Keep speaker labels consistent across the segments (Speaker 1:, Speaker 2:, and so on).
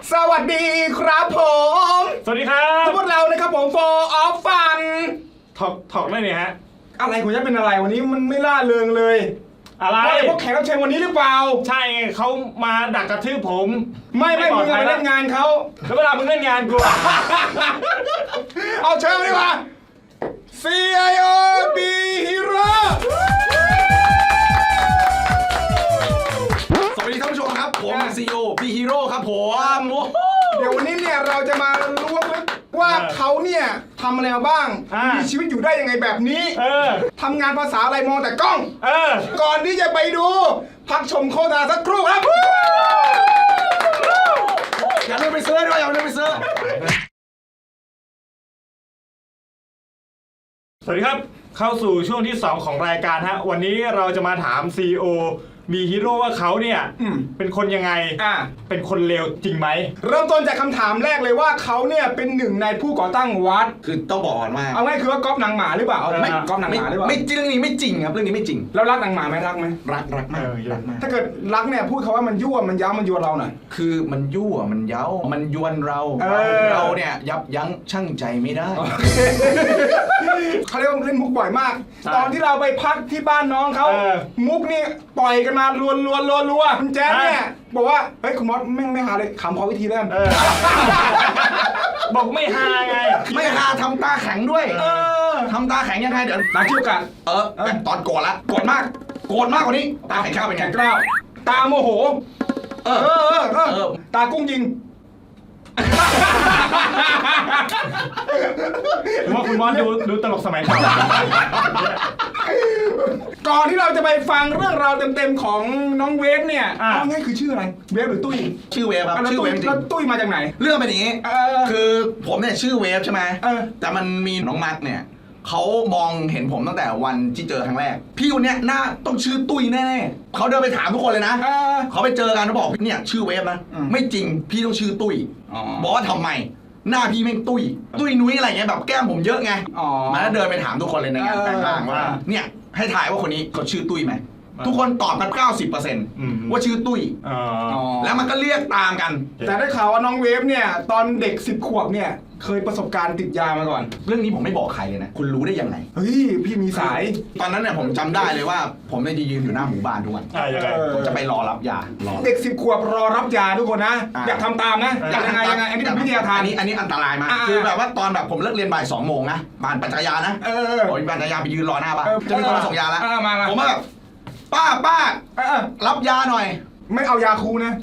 Speaker 1: สวัสดีครับผม
Speaker 2: สวัสดีครับ
Speaker 1: พวกเรานะครับผมโฟออฟฟัน
Speaker 2: ถอกได้เนี่ยฮะ
Speaker 1: อะไรคุณจะเป็นอะไรวันนี้มันไม่ล่าเริงเลย
Speaker 2: อะไร
Speaker 1: พวกแขกรับเชิญวันนี้หรือเปล่า
Speaker 2: ใช่เขามาดักกระทืบผม
Speaker 1: ไม่มึงไปเล่นงานเขา
Speaker 2: แล้วเวลามึงเล่นงานกู
Speaker 1: เอาเชิญดีกว่า CIO B Hero
Speaker 3: สวัสดีท่านผู้ชมครับผมCEO B Hero ครับผม
Speaker 1: เดี๋ยววันนี้เนี่ยเราจะมาล้วงลึกว่าเขาเนี่ยทำอะไรมาบ้างมีชีวิตอยู่ได้ยังไงแบบนี้ทำงานภาษาอะไรมองแต่กล้องก่อนที่จะไปดูพักชมโฆษณาสักครู่ครับ
Speaker 3: อย่าลืมไปซื้อด้วยอย่าลืมไปซื้อ
Speaker 2: สวัสดีครับเข้าสู่ช่วงที่2ของรายการฮะวันนี้เราจะมาถาม CEO B Hero ว่าเขาเนี่ยเป็นคนยังไงเป็นคนเลวจริงไหม
Speaker 1: เริ่มต้นจากคำถามแรกเลยว่าเขาเนี่ยเป็นหนึ่งในผู้ก่อตั้งวัด
Speaker 3: คือต้องบอกก่อนว่า
Speaker 1: เอาง่ายคือว่าก๊อปหนังหมาหรือเปล่าไม่ก๊อปหนังหมาหรือเปล่า
Speaker 3: ไม่จริงเรื่องนี้ไม่จริงครับเรื่องนี้ไม่จริง
Speaker 1: แล้วรักหนังหมาไหมรักไหม
Speaker 3: รักมากรักมาก
Speaker 1: ถ้าเกิดรักเนี่ยพูดเขาว่ามันยั่วมันย้ามันยวนเราหน่อย
Speaker 3: คือมันยั่วมันเย้ามันยวนเราเนี่ยยับยั้งชั่งใจไม่ได้
Speaker 1: เขาเรียกว่าเล่นมุกบ่อยมากตอนที่เราไปพักที่บ้านน้องเขามุกนี่ปล่อยกันมารัวคุณแจ๊ดเนี่ยบอกว่าเฮ้ยคุณมอสไม่หาเลยขำขอวิธีเล่น
Speaker 2: บอกไม่ฮาไง
Speaker 3: ไม่ฮาทำตาแข็งด้วยทำตาแข็งยังไงเดี๋ยว
Speaker 1: ตาเชี่ยวกัน
Speaker 3: ตอนโกรธละโกรธมากกว่านี้ตาแข็งข้าวเป็นไง
Speaker 1: กล้าวตาโมโหตากุ้งยิง
Speaker 2: ว่าคุณมอสดูตลกสมัยก่อน
Speaker 1: ก่อนที่เราจะไปฟังเรื่องราวเต็มๆของน้องเวฟเนี่ยเอาง่ายคือชื่ออะไรเวฟหรือตุ้ย
Speaker 3: ชื่อเวฟครับชื่อเวฟจริง
Speaker 1: แล้วตุ้ยมาจากไหน
Speaker 3: เรื่องเป็นอย่างนี้คือผมเนี่ยชื่อเวฟใช่ไหมแต่มันมีน้องมาร์กเนี่ยเขามองเห็นผมตั้งแต่วันที่เจอครั้งแรกพี่คนเนี้ยหน้าต้องชื่อตุ้ยแน่ๆเขาเดินไปถามทุกคนเลยนะเขาไปเจอกันเขาบอกเนี่ยชื่อเวฟนะไม่จริงพี่ต้องชื่อตุ้ยบอกว่าทำไมหน้าพี่แม่งตุ้ยนุ้ยอะไรเงี้ยแบบแก้มผมเยอะไงมันก็เดินไปถามทุกคนเลยในงานแต่งงานว่าเนี่ยให้ถ่ายว่าคนนี้เขาชื่อตุ้ยไหมทุกคนตอบกัน 90% ว่าชื่อตุ้ยแล้วมันก็เรียกตามกัน
Speaker 1: แต่ได้ข่าวว่าน้องเวฟเนี่ยตอนเด็ก10 ขวบเนี่ยเคยประสบการณ์ติดยามาก่อน
Speaker 3: เรื่องนี้ผมไม่บอกใครเลยนะคุณรู้ได้ยังไง
Speaker 1: เฮ้ยพี่มีสาย
Speaker 3: ตอนนั้นเนี่ยผมจำได้เลยว่าผมเนี่ยยืนอยู่หน้าหมู่บ้านทุกวันผมจะไปรอรับยา
Speaker 1: เด็ก10 ขวบรอรับยาทุกคนนะอยากทำตามนะอยากยังไงอันนี้เป็นวิทยาทาน
Speaker 3: อันนี้อันตรายมากคือแบบว่าตอนแบบผมเลิกเรียนบ่าย2 โมงนะปั่นจักรยานนะผมปั่นจักรยานไปยืนรอหน้าบ้านจะมีคนมาส่งยาแล้วผมแบบป้ารับยาหน่อย
Speaker 1: ไม่เอายาคูนะ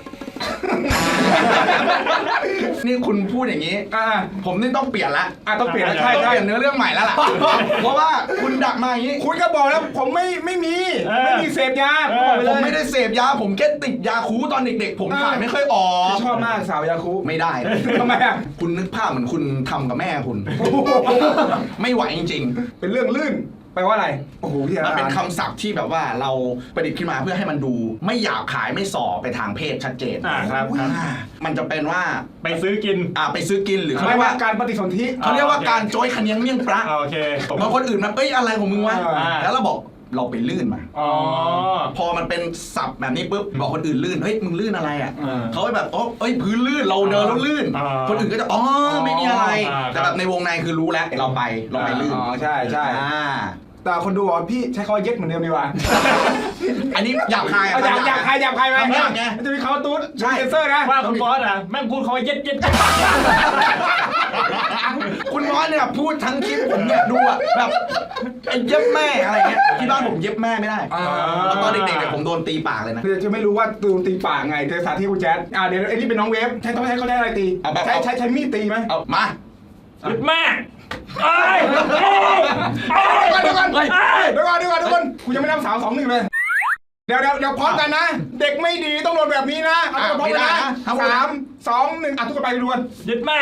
Speaker 3: นี่คุณพูดอย่างนี้ผมนี่ต้องเปลี่ยนละ
Speaker 1: ต้องเปลี่ยน
Speaker 3: ใช่ต้องเปลี่ยนเนื้อเรื่องใหม่แล้วล่ะเพราะว่าคุณดักมาอย่างนี้
Speaker 1: คุณก็บอกแล้วผมไม่มีเสพยา
Speaker 3: ผมไม่ได้เสพยาผมแค่ติดยาคูตอนเด็กๆผมถ่ายไม่ค่อยออก
Speaker 1: ชอบมากสาวยาคู
Speaker 3: ไม่ได้
Speaker 1: ทำไม
Speaker 3: คุณนึกภาพเหมือนคุณทำกับแม่คุณไม่ไหวจริง
Speaker 1: ๆเป็นเรื่องลื่นแปลว่าอะไรโอ้โห
Speaker 3: มันเป็นคำศัพท์ที่แบบว่าเราประดิษฐ์ขึ้นมาเพื่อให้มันดูไม่หยาบขายไม่ส่อไปทางเพศชัดเจน
Speaker 2: ครับ
Speaker 3: มันจะเป็นว่า
Speaker 2: ไปซื้อกิน
Speaker 3: ไปซื้อกินหรือ
Speaker 1: เขาเรียกว่าการปฏิสนธิ
Speaker 3: เขาเรียกว่าการโจยขเนียงเมี่ยงปลา
Speaker 2: โอเค
Speaker 3: บางคนอื่นมันอะไรของมึงวะแล้วเราบอกเราไปลื่นมาพอมันเป็นศัพท์แบบนี้ปุ๊บบอกคนอื่นลื่นเฮ้ยมึงลื่นอะไรอ่ะเขาไปแบบพื้นลื่นเราเดินแล้วลื่นคนอื่นก็จะไม่มีอะไรแต่แบบในวงในคือรู้แล้วเราไปลื่น
Speaker 1: ใช่แต่คนดูบอกพี่ใช้คำว่าเย็ดเหมือนเดิมดีกว่า
Speaker 3: อันนี้หยาบคาย
Speaker 1: หยาบคายไหมจะมีคำว่าตุ๊ดเซนเซอร์นะ
Speaker 2: ว่าคุณบอสแม่งพูดคำว่าเย็ด
Speaker 3: คุณบอสเนี่ยพูดทั้งคลิปผมเนี่ยดูแบบเย็บแม่อะไรเงี้ยที่บ้านผมเย็บแม่ไม่ได้ตอนเด็กๆเนี่ยผมโดนตีปากเลยนะ
Speaker 1: จะไม่รู้ว่าโดนตีปากไงเจอสาธิตคุณแจ๊ดเดี๋ยวไอ้นี่เป็นน้องเวฟใช้เขาได้อะไรตีใช้มีดตีไหม
Speaker 3: มา
Speaker 2: แม่
Speaker 1: เดี๋ยวก่อนกูยังไม่นับ3 2 1เลยเดี๋ยวพร้อมกันนะเด็กไม่ดีต้องโดนแบบนี้นะพร้อมกันนะ3 2 1ทุกคนไปรวน
Speaker 2: ยึดแม่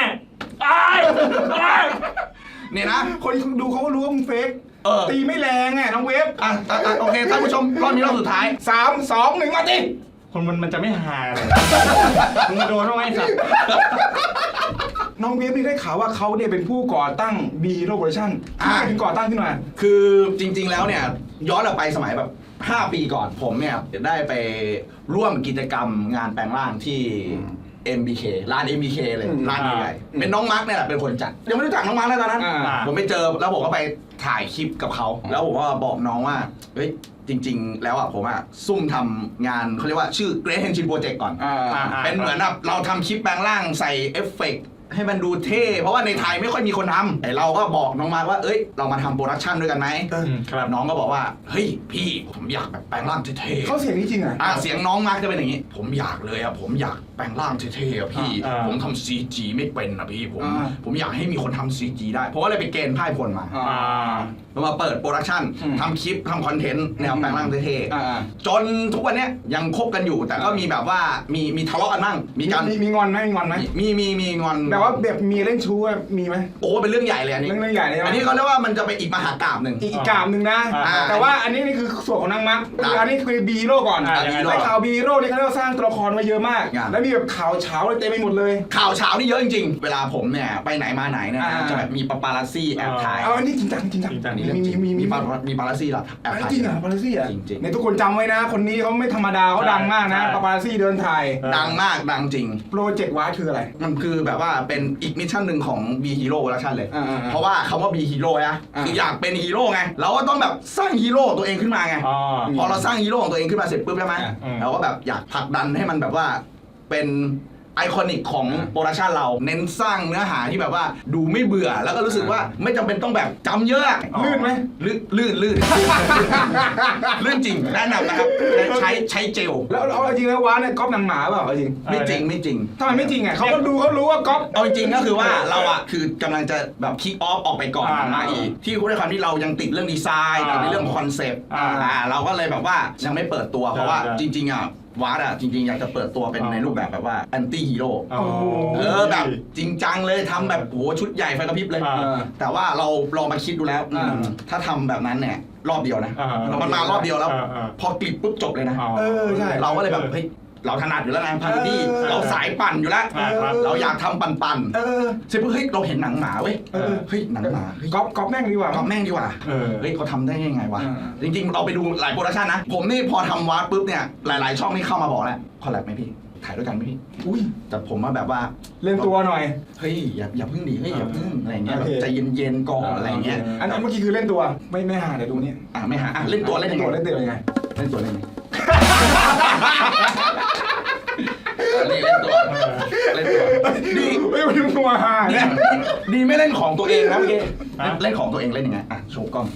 Speaker 3: เนี่ยนะ
Speaker 1: คนดูเขาก็รู้ว่ามึงเฟกตีไม่แรงไงน้องเวฟ
Speaker 3: โอเคท่านผู้ชมรอบนี้รอบสุดท้าย
Speaker 1: 3 2 1มาดิ
Speaker 2: คนมันจะไม่หาเลยมึงโดนต้องไอ้สัตว์
Speaker 1: น้องเวฟนี่ได้ข่าวว่าเขาเนี่ยเป็นผู้ก่อตั้ง B Hero Production ถึงก่อตั้งขึ้นมา
Speaker 3: คือจริงๆแล้วเนี่ยย้อนไปสมัยแบบ5 ปีก่อนผมเนี่ยได้ไปร่วมกิจกรรมงานแปลงร่างที่ MBK ร้าน MBK เลยร้านใหญ่ๆเป็นน้องมาร์กเนี่ยแหละเป็นคนจัดยังไม่รู้จักน้องมาร์กเลยตอนนั้นผมไปเจอแล้วผมก็ไปถ่ายคลิปกับเขาแล้วผมก็บอกน้องว่าเฮ้ยจริงๆแล้วผมซุ่มทำงานเขาเรียกว่าชื่อ Great Henshin Project ก่อนเป็นเหมือนแบบเราทำคลิปแปลงร่างใส่เอฟเฟกต์ให้มันดูเท่เพราะว่าในไทยไม่ค่อยมีคนทำแต่เราก็บอกน้องมาร์คว่าเอ้ยเรามาทำโปรดักชันด้วยกันไหมน้องก็บอกว่าเฮ้ยพี่ผมอยากแบบแปลงร่างเท่ๆ
Speaker 1: เขาเสียงนี้จริงอ่ะ
Speaker 3: เสียงน้องมาร์คจะเป็นอย่างนี้ผมอยากเลยผมอยากแปลงร่างเท่ๆพี่ผมทำ CG ไม่เป็นพี่ผมอยากให้มีคนทำ CG ได้เพราะว่าเลยไปเกณฑ์พ่ายพลมาเรามาเปิดโปรดักชันทำคลิปทำคอนเทนต์แนวแปลงร่างเท่ๆจนทุกวันนี้ยังคบกันอยู่แต่ก็มีแบบว่ามีทะเลาะกันบ้างมีการ
Speaker 1: มีงอนไหมมีงอนไหม
Speaker 3: มีงอน
Speaker 1: แต่ว่าแบบมีเล่นชู้มีไหม
Speaker 3: โอ้เป็นเรื่องใหญ่เลยอันนี้
Speaker 1: เรื่องใหญ่เลย
Speaker 3: อันนี้เขาเรียกว่ามันจะเป็นอีกมหากาพย์หนึ่ง
Speaker 1: อีกกาบหนึ่งนะแต่ว่าอันนี้นี่คือส่วนของนางมักคืออันนี้คือบีฮีโร่ก่อนในข่าวบีฮีโร่นี่เขาเรียกว่าสร้างตัวละครมาเยอะมากแล้วมีแบบข่าวเช้าเต็มไปหมดเลย
Speaker 3: ข่าวเช้านี่เยอะจริงๆเวลาผมเนี่ยไปไหนมาไหนเนี่ยจะแบบมีปาปารัสซี่แอบถ่าย
Speaker 1: อันนี้จริงจัง
Speaker 3: มีปารัสซี่หรอแอบถ่าย
Speaker 1: จริงเหรอปาปารัสซี่อ่ะในทุกคนจำไว้นะคนนี้เขาไม่ธรรมดาเขาดังมากนะปาปารัสซี่เดินถ่าย
Speaker 3: ดังมากดังจริง
Speaker 1: โปรเจกต์วาร์คืออะไร
Speaker 3: มันคือแบบว่าเป็นอีกมิชชั่นหนึ่งของบีฮีโร่โปรดักชั่นเลยเพราะว่าคำว่าบีฮีโร่นะคืออยากเป็นฮีโร่ไงเราก็ต้องแบบสร้างฮีโร่ตัวเองขึ้นมาไงพอเราสร้างฮีโร่ของตัวเองขึ้นมาเสร็จปุ๊บใช่ไหมเราก็แบบอยากผลักดันให้มันแบบว่าเป็นไอคอนิกของโปรดักชันเราเน้นสร้างเนื้อหาที่แบบว่าดูไม่เบื่อแล้วก็รู้สึกว่าไม่จำเป็นต้องแบบจำเยอะ
Speaker 1: ลื่นไหม
Speaker 3: ลื่นลื่นจริงแนะนำนะครับใช้เจล
Speaker 1: แล้วเอาจริงแล้ววาเนี่ยก๊อปนางหมาเปล่าจริง
Speaker 3: ไม่จริง
Speaker 1: ทำไมไม่จริงเขาก็ดูเขารู้ว่าก๊อป
Speaker 3: เอาจริงก็คือว่าเราคือกำลังจะแบบคิกออฟออกไปก่อนมาอีกที่ด้วยความที่เรายังติดเรื่องดีไซน์ในเรื่องคอนเซปต์เราก็เลยแบบว่ายังไม่เปิดตัวเพราะว่าจริงวาร์ดจริงๆอยากจะเปิดตัวเป็นในรูปแบบว่าแอนตี้ฮีโร่แบบจริงจังเลยทำแบบโหชุดใหญ่ไฟกระพริบเลยแต่ว่าเราลองมาคิดดูแล้วถ้าทำแบบนั้นเนี่ยรอบเดียวนะมันมารอบเดียวแล้วพอกลิบปุ๊บจบเลยนะ
Speaker 1: ใช่
Speaker 3: เราก็เลยแบบเฮ้ยเราถนัดอยู่แล้วไงพาร์ตี้เราสายปั่นอยู่แล้วเราอยากทำปั่นเสร็จปุ๊บเฮ้ยเราเห็นหนังหมาเว้ยเฮ้ยหนังหมา
Speaker 1: ก๊อปแม่งดีกว่า
Speaker 3: ก๊อปแม่งดีกว่าเฮ้ยเขาทำได้ยังไงวะจริงๆเราไปดูหลายโปรดักชั่นนะผมนี่พอทำวาร์ดปุ๊บเนี่ยหลายๆช่องนี่เข้ามาบอกแล้วคอลแลบไหมพี่ถ่ายด้วยกันไหมพี่แต่ผมว่าแบบว่า
Speaker 1: เล่นตัวหน่อย
Speaker 3: เฮ้ยอย่าพึ่งดิเฮ้ยอย่าพึ่งอะไรเงี้ยใจเย็นๆก่อนอะไรเงี้ย
Speaker 1: อันนั้นเมื่อกี้คือเล่นตัวไม่หาเดี๋ยวดูนี่
Speaker 3: ไม่หาเล่นตัวเล่นยังไง
Speaker 1: เล่นตัวยังไง
Speaker 3: เล่นตัวเล่นยังไงเล่นตัวดี
Speaker 1: ไม่เป็นตัวหาเนี่ย
Speaker 3: ดีไม่เล่นของตัวเองนะเมื่อกี้เล่นของตัวเองเล่นยังไงโชว์กล้อง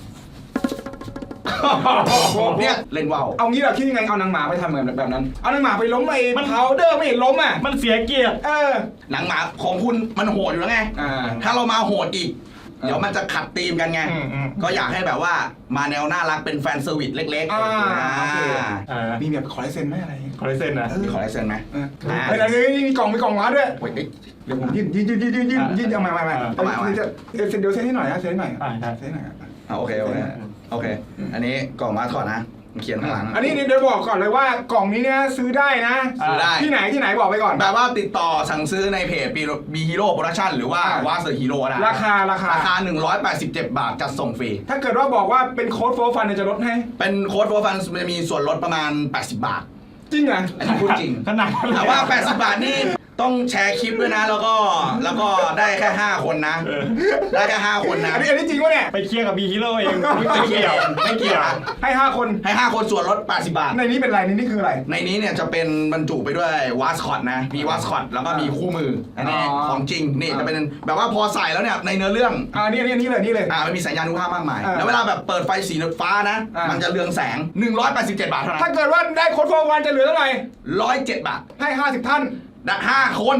Speaker 3: เนี่ยเล่นว่าว
Speaker 1: เอางี้เหรอคิดยังไงเอานางหมาไปทำเหมือนแบบนั้นเอานางหมาไปล้มไอ้พาวเดอร์ไม่เห็นล้ม
Speaker 2: มันเสียเกียรติ
Speaker 3: หนังหมาของคุณมันโหดอยู่แล้วไงถ้าเรามาโหดอีกเดี๋ยวมันจะขัดธีมกันไงก็อยากให้แบบว่ามาแนวน่ารักเป็นแฟนเซอร์วิสเล็ก
Speaker 1: ๆมีแบบขอลายเซ็นไหมอะไร
Speaker 2: ขอลายเซ็นนะ
Speaker 3: มีขอลายเซ็นไหม
Speaker 1: มีกล่องมาด้วย
Speaker 3: เดี๋ยวผม
Speaker 1: ยืนเอามาเซ็นเดี๋ยวเซ็นให้หน่อยนะเซ็นให้หน่อยเซ็นให้หน่อย
Speaker 3: โอเคอันนี้กล่องมาถอดนะเขียนข้างหลัง
Speaker 1: อันนี้เดี๋ยวบอกก่อนเลยว่ากล่องนี้เนี่ยซื้อได้นะ
Speaker 3: ซื้อได้
Speaker 1: ที่ไหนบอกไปก่อน
Speaker 3: แบบว่าติดต่อสั่งซื้อในเพจบีฮีโร่โปรดักชั่นหรือว่าวาเซอร์ฮีโร่นะ
Speaker 1: ราคา
Speaker 3: 187 บาทจัดส่งฟรี
Speaker 1: ถ้าเกิดว่าบอกว่าเป็นโค้ดโฟร์ฟันจะลดให้
Speaker 3: เป็นโค้ดโฟร์ฟันจะมีส่วนลดประมาณ80 บาท
Speaker 1: จริงเหรอ
Speaker 3: อันนี้พูดจริง
Speaker 2: ขนาด
Speaker 3: แต่ว่า80 บาทนี่ต้องแชร์คลิปด้วยนะแล้วก็ได้แค่5 คนนะได้แค่5 คนนะ
Speaker 1: อันนี้จริงวะเนี่ย
Speaker 2: ไปเคลียร์กับบีฮีโร่เอง
Speaker 3: ไม่เกี่ยว
Speaker 1: ให้5 คน
Speaker 3: ส่วนลด80 บาท
Speaker 1: ในนี้เป็นอะไรในนี้คืออะไร
Speaker 3: ในนี้เนี่ยจะเป็นบรรจุไปด้วยวาสคอตนะมีวาสคอตแล้วก็มีคู่มืออันนี้ของจริงนี่จะเป็นแบบว่าพอใส่แล้วเนี่ยในเนื้อเรื่อง
Speaker 1: นี่เลย
Speaker 3: มันมีสัญญาณุภาพมากมายแล้วเวลาแบบเปิดไฟสีฟ้านะมันจะเรืองแสง187 บาทเท่านั้น
Speaker 1: ถ้าเกิดว่าได้โค้ดโฟร์วันจะเหลือเท่าไหร่
Speaker 3: 107 บาท
Speaker 1: ให้50 ท่าน
Speaker 3: 5 คน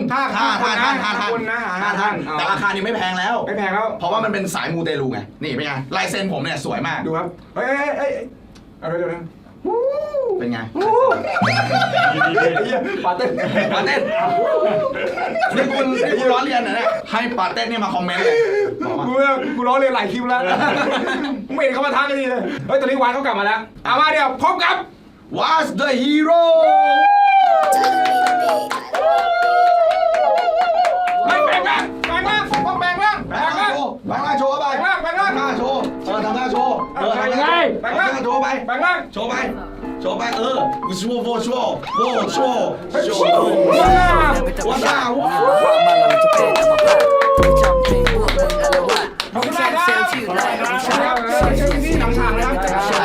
Speaker 3: แต่ราคานี้ไม่แพงแล้วเพราะว่ามันเป็นสายมูเตลูไงนี่เป็นไงลายเซ็นผมเนี่ยสวยมาก
Speaker 1: ดูครับเฮ้ยเอาเดี๋ยว
Speaker 3: เป็นไง
Speaker 1: ปาเต้น
Speaker 3: นี่คุณล้อเลียนนะเนี่ยให้ปาเต้นนี่มาคอมเมนต์เลย
Speaker 1: กูล้อเลียนหลายคลิปแล้วไม่เห็นเขามาทักกันดีเลยเฮ้ยตอนนี้วานเขากลับมาแล้วมาเดี๋ยวพบกับ
Speaker 3: What's the hero
Speaker 1: แบ่งล่างต้องแบ่งล่าง
Speaker 3: โชว์ไป
Speaker 1: แบ่งล่าง
Speaker 3: ทำหน้าโชว์ทำหน้าโชว์
Speaker 1: แบ่งล่าง
Speaker 3: โชว์ไป
Speaker 1: แบ่งล่าง
Speaker 3: โชว์ไปชัวว่าดาว
Speaker 1: ขอบคุณมากครับเชิญที่หนังฉากนะครับ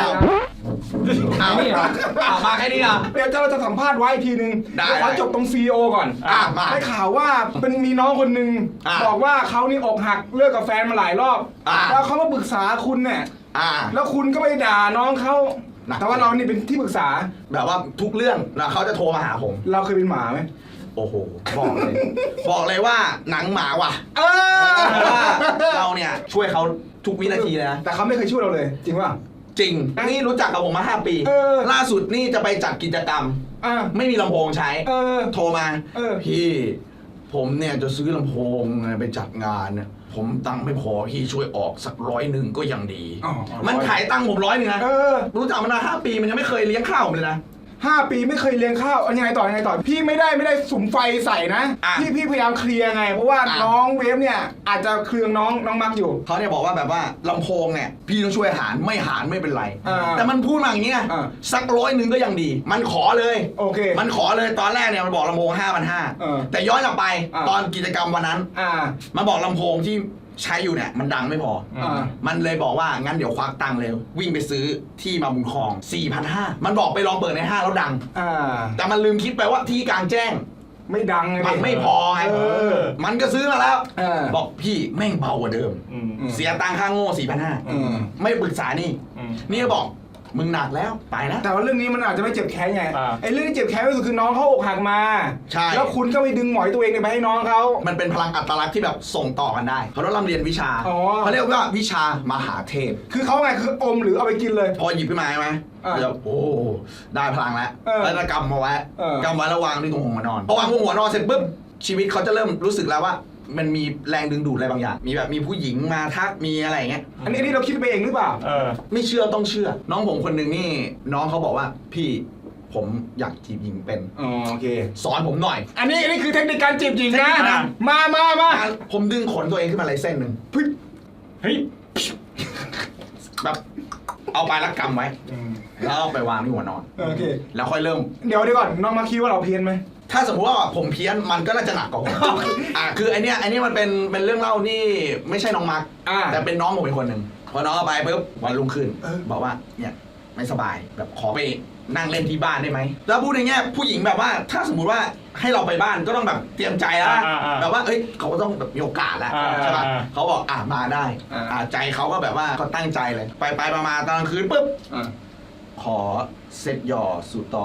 Speaker 3: มาแค่นี้นะ
Speaker 1: เดี๋ยวเราจะสัมภาษณ์ไว้อีกทีนึง
Speaker 3: ได้
Speaker 1: ขอจบตรง CEO ก่อน
Speaker 3: มา
Speaker 1: ได้ข่าวว่าเป็นมีน้องคนหนึ่งบอกว่าเขานี่อกหักเลิกกับแฟนมาหลายรอบแล้วเขามาปรึกษาคุณเนี่ยแล้วคุณก็ไปด่าน้องเขาแต่ว่าเรานี่เป็นที่ปรึกษา
Speaker 3: แบบว่าทุกเรื่องนะเขาจะโทรมาหาผม
Speaker 1: เราเคยเป็นหมาไหม
Speaker 3: โอ้โห บอกเลยว่าหนังหมาว่ะ
Speaker 1: เอ
Speaker 3: เพราะว่า
Speaker 1: อ
Speaker 3: เราเนี่ยช่วยเขาทุกวินาทีเลยนะ
Speaker 1: แต่เขาไม่เคยช่วยเราเลย จริงป่ะ
Speaker 3: จริง นี่รู้จักกับผมมา 5 ปี ล่าสุดนี่จะไปจัดกิจกรรม ไม่มีลำโพงใช้ โทรมาพี่ผมเนี่ยจะซื้อลำโพงไปจัดงานเนี่ยผมตังค์ไม่พอพี่ช่วยออกสัก100ก็ยังดี มันขายตังค์ผม100นะรู้จักมานาน5 ปีมันยังไม่เคยเลี้ยงข้าวผมเลยนะ
Speaker 1: 5 ปีไม่เคยเลี้ยงข้าวยังไงต่อพี่ไม่ได้สุมไฟใส่นะพี่พยายามเคลียร์ไงเพราะว่าน้องเวฟเนี่ยอาจจะเครืองน้องมักอยู่
Speaker 3: เขาเนี่ยบอกว่าแบบว่าลำโพงเนี่ยพี่ต้องช่วยหารไม่เป็นไรแต่มันพูดมาอย่างนี้นะสัก100ก็ยังดีมันขอเลย
Speaker 1: โอเค
Speaker 3: มันขอเลยตอนแรกเนี่ยมันบอกลำโพง5,500แต่ย้อนกลับไปตอนกิจกรรมวันนั้นมันบอกลำโพงที่ใช้อยู่เนี่ยมันดังไม่พอมันเลยบอกว่างั้นเดี๋ยวควักตังค์เร็ววิ่งไปซื้อที่มาบุญครอง 4,500 มันบอกไปลองเปิดในห้างแล้วดังแต่มันลืมคิดไปว่าที่กลางแจ้ง
Speaker 1: ไม่ดังไง
Speaker 3: มันไม่พอไงมันก็ซื้อมาแล้วบอกพี่แม่งเบากว่าเดิมเสียตังค่าโง่ 4,500 ไม่ปรึกษานี่บอกมึงหนักแล้วไปนะ
Speaker 1: แต่ว่าเรื่องนี้มันอาจจะไม่เจ็บแค้นไงไอ้เรื่องที่เจ็บแค้นที่สุดคือน้องเขาอกหักมา
Speaker 3: ใช่
Speaker 1: แล้วคุณก็ไปดึงหมอยตัวเองไปให้น้องเขา
Speaker 3: มันเป็นพลังอัตลักษณ์ที่แบบส่งต่อกันได้เขาต้องร่ำเรียนวิชาเขาเรียกว่าวิชามหาเทพ
Speaker 1: คือเขาไงคืออมหรือเอาไปกินเลย
Speaker 3: พอหยิบขึ้นมาใช่ไหมจะโอ้ได้พลังแล้วแล้วจะกำมาไว้แล้ววางที่ตรงหัวนอนพอวางตรงหัวนอนเสร็จปุ๊บชีวิตเขาจะเริ่มรู้สึกแล้วว่ามันมีแรงดึงดูดอะไรบางอย่างมีผู้หญิงมาทักมีอะไรอย่างเงี้ย
Speaker 1: อันนี้เราคิดไปเองหรือเปล่า
Speaker 3: ไม่เชื่อต้องเชื่อน้องผมคนหนึ่งนี่น้องเขาบอกว่าพี่ผมอยากจีบหญิงเป็น
Speaker 1: โอเค
Speaker 3: สอนผมหน่อย
Speaker 1: อันนี้คือเทคนิคการจีบหญิงนะมา
Speaker 3: ผมดึงขนตัวเองขึ้นมาเลยเส้นหนึ่ง
Speaker 2: เฮ้ย
Speaker 3: แบบเอาไปแล้วกำไว้แล้วเอาไปวางที่หัวนอน
Speaker 1: โอเค
Speaker 3: แล้วค่อยเริ่ม
Speaker 1: เดี๋ยวก่อนน้องมาคิดว่าเราเพี้ยนไหม
Speaker 3: ถ้าสมมติว่าผมเพี้ยนมันก็น่าจะหนักกว่าผมคือไอเนี้ยมันเป็นเรื่องเล่านี่ไม่ใช่น้องมาร์คแต่เป็นน้องผมเป็นคนหนึ่งพอน้องเอาไปปุ๊บวันรุ่งขึ้นบอกว่าเนี่ยไม่สบายแบบขอไปนั่งเล่นที่บ้านได้ไหมแล้วพูดในแง่ผู้หญิงแบบว่าถ้าสมมุติว่าให้เราไปบ้านก็ต้องแบบเตรียมใจแล้วแบบว่าเอ้ยเขาก็ต้องแบบมีโอกาสแล้วใช่ป่ะเขาบอกมาได้ใจเขาก็แบบว่าเขาตั้งใจเลยไปมาตอนกลางคืนปุ๊บขอเซตหย่อสูตรต่อ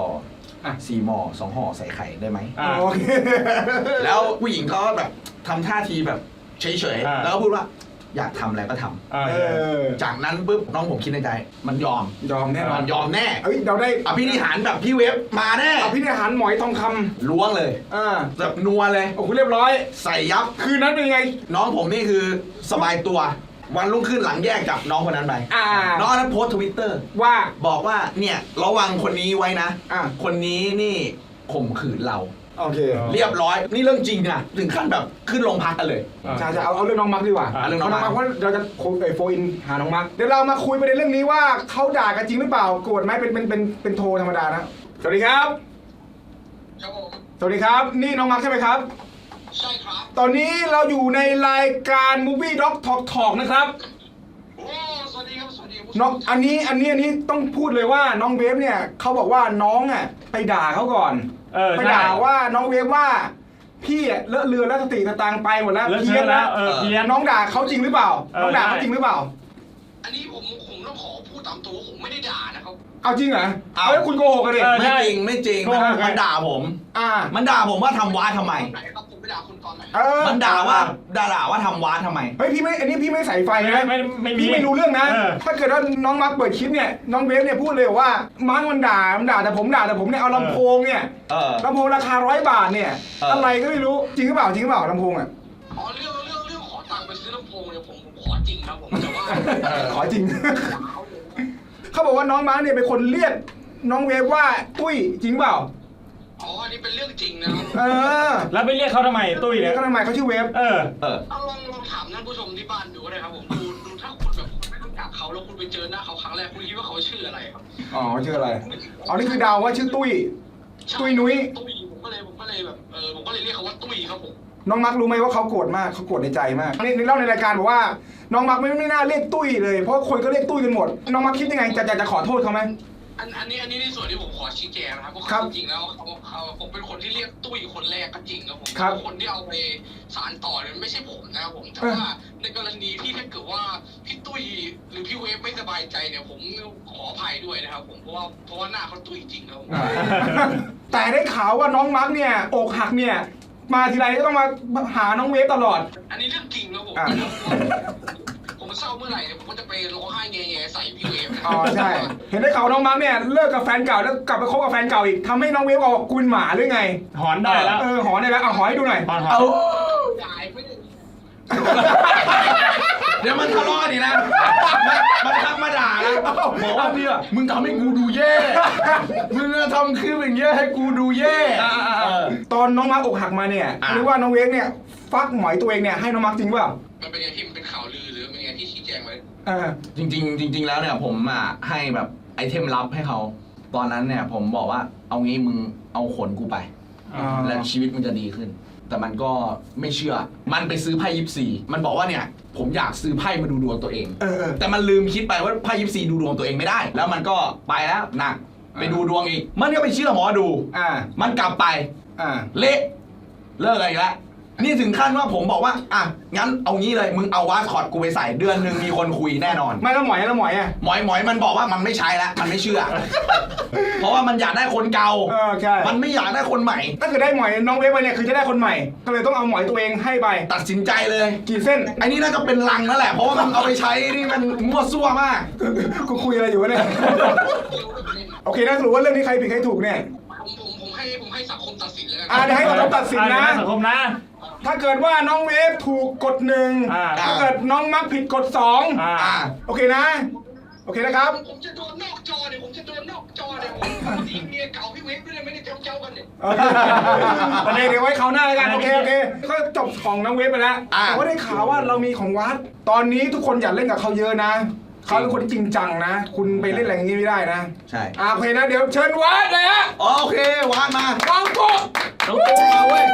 Speaker 3: 4 หม้อ 2 ห่อใส่ไข่ได้ไหม
Speaker 1: โอเค
Speaker 3: แล้วผู้หญิงเขาแบบทำท่าทีแบบเฉยๆแล้วก็พูดว่าอยากทำอะไรก็ทำจากนั้นปุ๊บน้องผมคิดในใจมันยอม
Speaker 1: แน่นอน
Speaker 3: ยอมแน่
Speaker 1: เราได้
Speaker 3: อภินิหารแบบพี่เว็บมาแน่
Speaker 1: อภินิหารหมอยทองคำ
Speaker 3: ล้วงเลยแบบนัวเลย
Speaker 1: โอ้โหเรียบร้อย
Speaker 3: ใส่ยับ
Speaker 1: คืนนั้นเป็นไง
Speaker 3: น้องผมนี่คือสบายตัววันรุ่งขึ้นหลังแยกจากน้องคนนั้นไปน้องนั้นโพสต์ Twitter
Speaker 1: ว่า
Speaker 3: บอกว่าเนี่ยระวังคนนี้ไว้นะคนนี้นี่ข่มขืนเรา
Speaker 1: โอเค
Speaker 3: เรียบร้อยนี่เรื่องจริงนะถึงขั้นแบบขึ้นโรงพักกันเลย
Speaker 1: ใช่เอาเรื่องน้องมาร์คดีกว่า
Speaker 3: เรื่องน้องมาร์ค
Speaker 1: เพราะเราจะโฟอินหาน้องมาร์คเดี๋ยวเรามาคุยประเด็นเรื่องนี้ว่าเขาด่ากันจริงหรือเปล่าโกรธไหมเป็นโทรธรรมดานะสวัสดีครับสวัสดีครับนี่น้องมาร์คใช่ไหมครับ
Speaker 4: ใช่ครับ
Speaker 1: ตอนนี้เราอยู่ในรายการ Movie Doc Talk นะครับ
Speaker 4: สวัสดีครับสวัสดี
Speaker 1: น้องอันนี้ต้องพูดเลยว่าน้องเวฟเนี่ยเขาบอกว่าน้องไปด่าเขาก่อนไปด่าว่าน้องเวฟว่าพี่เลอะเลือนแล้วสติสตางค์ไปหมดแล้ว
Speaker 2: เพี้ยนแล้ว
Speaker 1: น้องด่าเขาจริงหรือเปล่าน้องด่าเขาจริงหรือเปล่า
Speaker 4: อันนี้ผมต้องขอพูดตามตัวผมไม่ได้ด่านะครับ
Speaker 1: เอาจริงเหรอแล้วคุณโกหกกันดิ
Speaker 3: ไม่จริงมันด่าผมมันด่าผมว่าทำว้าทำไม
Speaker 4: ผมไปด่าคุณตอนไหน
Speaker 3: มันด่าว่าทำว้าทำไม
Speaker 1: เฮ้ยพี่ไม่อันนี้พี่ไม่ใส่ไฟนะพี่ไม่รู้เรื่องนะถ้าเกิดว่าน้องมาร์คเปิดคลิปเนี่ยน้องเวฟเนี่ยพูดเลยว่ามาร์คมันด่าแต่ผมเนี่ยเอาลำโพงเนี่ยลำโพงราคา100 บาทเนี่ยอะไรก็ไม่รู้จริงหรือเปล่าลำโพง
Speaker 4: อ๋อเรื่องขอตังค์ไปซื้อลำโพงเนี่ยผมขอจริงครับผมแต่ว่า
Speaker 1: ขอจริงเขาบอกว่าน้องมาร์คเนี่ยเป็นคนเรียกน้องเวฟว่าตุ้ยจริงเปล่า
Speaker 4: อ๋ออันนี้เป็นเรื่องจริงนะครับ
Speaker 2: แล้วไปเรียกเขาทำไมตุ้ยเนี่ย
Speaker 1: เขาทำไมเขาชื่อเวฟ
Speaker 4: ลองถามท่านผู้ชมที่บ้านดูก็ได้ครับผมดูถ้าคุณแบบไม่รู้จักเขาแล้วคุณไปเจอหน้าเขาครั้งแรกคุณคิดว่าเขาชื่ออะไรครับ
Speaker 1: อ๋อชื่ออะไรอ๋อนี่คือเดาว่าชื่อตุ้ยนุ้ย
Speaker 4: ตุ้ยผมก็เลยแบบผมก็เลยเรียกเขาว่าตุ้ยครับผม
Speaker 1: น้องมักรู้ไหมว่าเขาโกรธมากเขาโกรธในใจมากนี่เล่าในรายการบอกว่าน้องมักไม่น่าเรียกตุ้ยเลยเพราะคนก็เรียกตุ้ยกันหมดน้องมักคิดยังไงจะขอโทษเขาไหม
Speaker 4: อันนี้ในส่วนที่ผมขอชี้แจงนะครับเพราะจริงๆแล้วเขาผมเป็นคนที่เรียกตุ้ยคนแรกก็จริงครับผมคนที่เอาไปสารต่อเนี่ยไม่ใช่ผมนะครับผมแต่ว่าในกรณีที่ถ้าเกิดว่าพี่ตุ้ยหรือพี่เวฟไม่สบายใจเนี่ยผมขออภัยด้วยนะครับผมเพราะว่าหน้าเขาตุ้ยจริงครับผม
Speaker 1: แต่ได้ข่าวว่าน้องมักเนี่ยอกหักเนี่ยมาทีไรก็ต้องมาหาน้องเวฟตลอด
Speaker 4: อันนี้เรื่องจริงแล้วผมเศร้าเมื่อไหร่เนี่ยผมก็จะไปร้องไห้แง่ๆใส่พี่เวฟ
Speaker 1: อ๋อใช่เห็นได้ข่าวน้องมักเนี่ยเลิกกับแฟนเก่าแล้วกลับไปคบกับแฟนเก่าอีกทำให้น้องเวฟบอกกุนหมาหรือไง
Speaker 2: หอนได้แล้ว
Speaker 1: หอนได้แล้วเอาหอให้ดูหน่อย
Speaker 2: หอน
Speaker 3: เอา
Speaker 4: จ่ายไม่ได้
Speaker 3: เดี๋ยวมันทะเลาะกันอีกนะมันทักมาด่านะบอกว่าเนี่ยมึงทำให้กูดูแย่มึงทำคลิปอย่างเงี้ยให้กูดูแย่
Speaker 1: ตอนน้องมักอกหักมาเนี่ยหรือว่าน้องเวฟเนี่ยฟักหมอยตัวเองเนี่ยให้น้องมักจริงเปล่า
Speaker 4: มันเป็นไงที่มันเป็นข่าวลือหรือเป็นไงที่ชี้แจงไว้
Speaker 3: จริงแล้วเนี่ยผมให้แบบไอเทมลับให้เขาตอนนั้นเนี่ยผมบอกว่าเอางี้มึงเอาขนกูไปแล้วชีวิตมันจะดีขึ้น แต่มันก็ไม่เชื่อมันไปซื้อไพ่24มันบอกว่าเนี่ยผมอยากซื้อไพ่มาดูดวงตัวเองแต่มันลืมคิดไปว่าไพ่24ดูดวงตัวเองไม่ได้ แล้วมันก็ไปแล้วหนักไปดูดวงอีกมันก็ไปเชื่อหมอดูมันกลับไปเละเลิกอะไรอีกแล้วนี่ถึงขั้นว่าผมบอกว่าอ่ะงั้นเอางี้เลยมึงเอาวาสคอตกูไปใส่เดือนหนึ่งมีคนคุยแน่นอน
Speaker 1: ไม่แล้วหมอยอ่ะ
Speaker 3: หมอยมันบอกว่ามันไม่ใช้แล้วมันไม่เชื่อ เพราะว่ามันอยากได้คนเก่า
Speaker 1: ใช่
Speaker 3: มันไม่อยากได้คนใหม่
Speaker 1: ถ้าเกิดได้หมอยน้องเวฟไปเนี่ยคือจะได้คนใหม่ก็เลยต้องเอาหมอยตัวเองให้ไป
Speaker 3: ตัดสินใจเลย
Speaker 1: กี่เส้น
Speaker 3: ไอ้นี่น่าจะเป็นลังนั่นแหละเพราะว่ามันเอาไปใช้นี่มันมั่วซั่วมาก
Speaker 1: กูคุยอะไรอยู่วะเนี่ยโอเคนะสรุปว่าเรื่องนี้ใครผิดใครถูกเนี่ย
Speaker 4: ผมให้สังคมตัดสินเลย
Speaker 1: เดี๋ยวให้สังคมตัดสินนะ
Speaker 2: สังคมนะ
Speaker 1: ถ้าเกิดว่าน้องเวฟถูกกด1ถ้าเกิดน้องมักผิดกด2โอเคนะโอเคนะครับ
Speaker 4: ผมจะโดนนอกจอเนี่ยผมยิงเมียเก่าพี่เวฟด้วยไม่ได้เจ้ากันเนี่ย
Speaker 1: ประเด็นเดี๋ยวไว้คราวหน้าแล้วกันโอเคก็จบของน้องเวฟไปแล้วแต่ว่าได้ข่าวว่าเรามีของวัดตอนนี้ทุกคนอย่าเล่นกับเขาเยอะนะเขาเป็นคนจริงจังนะคุณไปเล่นอะไรอย่างนี้ไม่ได้นะ
Speaker 3: ใช่
Speaker 1: โอเคนะเดี๋ยวเชิญวัดเลยฮะ
Speaker 3: โอเควาดมา
Speaker 1: วังปุ๊บ
Speaker 3: น้องปุ๊บมาเว้ย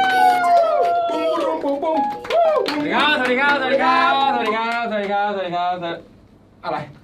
Speaker 1: ปุ้ง
Speaker 2: สวัสดีครับอะไร